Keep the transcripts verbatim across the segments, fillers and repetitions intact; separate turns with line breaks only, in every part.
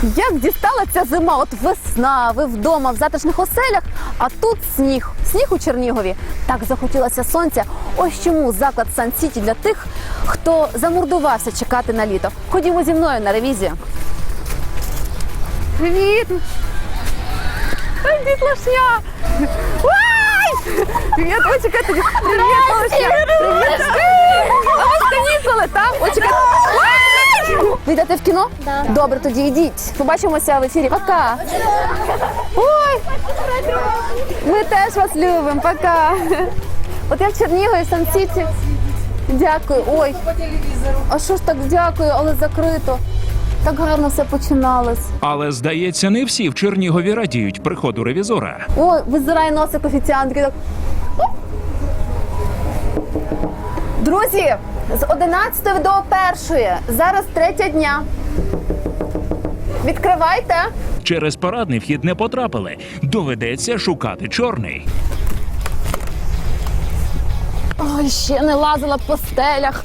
Як дістала ця зима? От весна, ви вдома в затишних оселях, а тут сніг. Сніг у Чернігові. Так захотілося сонця. Ось чому заклад Сан-Сіті для тих, хто замордувався чекати на літо. Ходімо зі мною на ревізію. Привіт! Ой, дітлашня! Ой! Привіт, ой, чекайте! Привіт, малышня! Привіт! А ось канікули, так? Ой, чекайте! Ви йдете в кіно?
Да.
Добре, тоді йдіть. Побачимося в ефірі. Пока! Ой! Ми теж вас любимо. Пока! От я в Чернігові, в Сан-Сіті. Дякую. Ой! А що ж так дякую, але закрито. Так гарно все починалось.
Але, здається, не всі в Чернігові радіють приходу ревізора.
Ой, визирає носик офіціантки. Так. Оп. Друзі, з одинадцятої до першої. Зараз третя дня. Відкривайте.
Через парадний вхід не потрапили. Доведеться шукати чорний.
Ой, ще не лазила по стелях.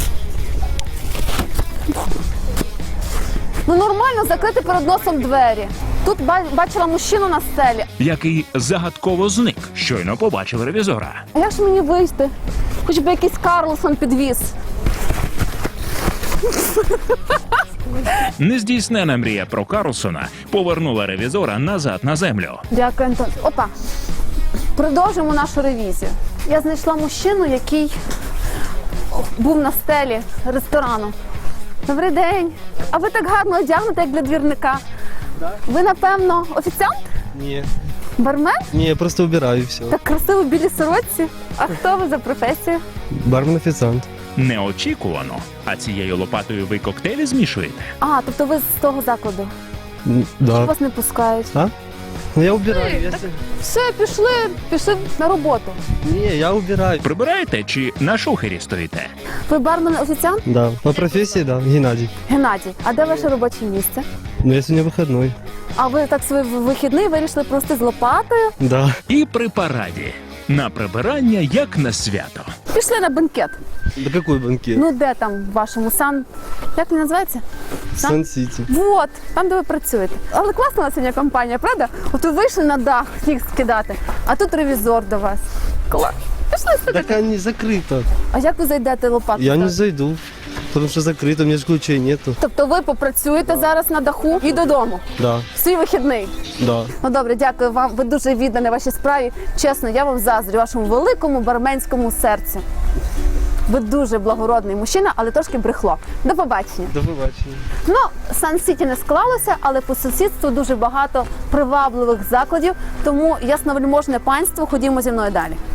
Ну нормально закрити перед носом двері. Тут ба- бачила мужчину на стелі.
Який загадково зник, щойно побачив ревізора.
А як ж мені вийти? Хоч би якийсь Карлсон підвіз.
Нездійснена мрія про Карлсона повернула ревізора назад на землю.
Дякую, Антон. Опа. Продовжуємо нашу ревізію. Я знайшла мужчину, який був на стелі ресторану. Добрий день. А ви так гарно одягнуті, як для двірника. Ви, напевно, офіціант?
Ні.
Бармен?
Ні, я просто убираю і все.
Так красиво в білій сорочці. А хто ви за професією?
Бармен-офіціант.
Неочікувано. А цією лопатою ви коктейлі змішуєте?
А, тобто ви з того закладу.
М, Да.
Вас не пускають.
А? Ну я убираю. Якщо...
Все, пішли, пішли на роботу.
Ні, я убираю.
Прибираєте чи на шухері стоїте?
Ви бармен-офіціант?
Да. По професії, да, Геннадій.
Геннадій, а де ваше робоче місце?
Ну я сьогодні вихідний.
А ви так свій вихідний вирішили просто з лопатою?
Да.
І при параді. На прибирання, як на свято.
Пішли на бенкет.
Да какой банкет?
Ну де там в вашому сан? Як він називається?
Сан-Сіті.
Вот, там, де ви працюєте. Але класна у вас сьогодні компанія, правда? От ви вийшли на дах сніг скидати, а тут ревізор до вас. Клас. Пішли сюди.
Так они закрыто.
А як ви зайдете лопату?
Я не
ставити?
зайду, потому что закрыто, у меня же ключей нету.
Тобто ви попрацюєте зараз на даху і додому.
Да,
В свій вихідний.
да.
Ну добре, дякую вам. Ви дуже віддані вашій справі. Чесно, я вам заздрю вашому великому барменському серцю. Ви дуже благородний мужчина, але трошки брехло. До побачення.
До побачення.
Ну, Сан-Сіті не склалося, але по сусідству дуже багато привабливих закладів. Тому ясновельможне панство, ходімо зі мною далі.